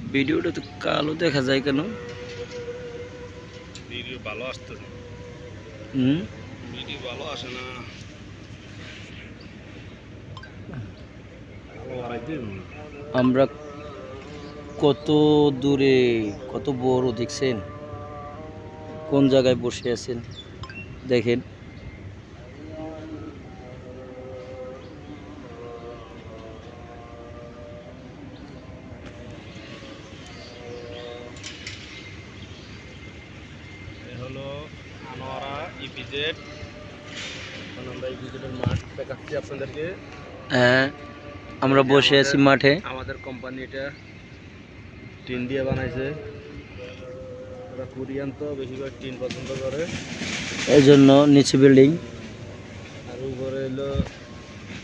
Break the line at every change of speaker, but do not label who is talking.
ভিডিওটা তো কালো দেখা যায় কেন?
ভিডিও ভালো আসতো না। ভিডিও ভালো আসে না।
আমরা কত দূরে, কত বড় দেখছেন? কোন জায়গায় বসে আছেন দেখেন।
হলো আনোয়ারা ইপিজেড। এখন আমরা ইপিজেডের মাঠ দেখাচ্ছি আপনাদেরকে।
হ্যাঁ, আমরা বসে আছি মাঠে।
আমাদের কোম্পানি এটা টিন দিয়ে বানাইছে। ওরা কোরিয়ান তো বেশিরভাগ টিন পছন্দ করে,
এই জন্য নিচে বিল্ডিং।
আর উপরে হলো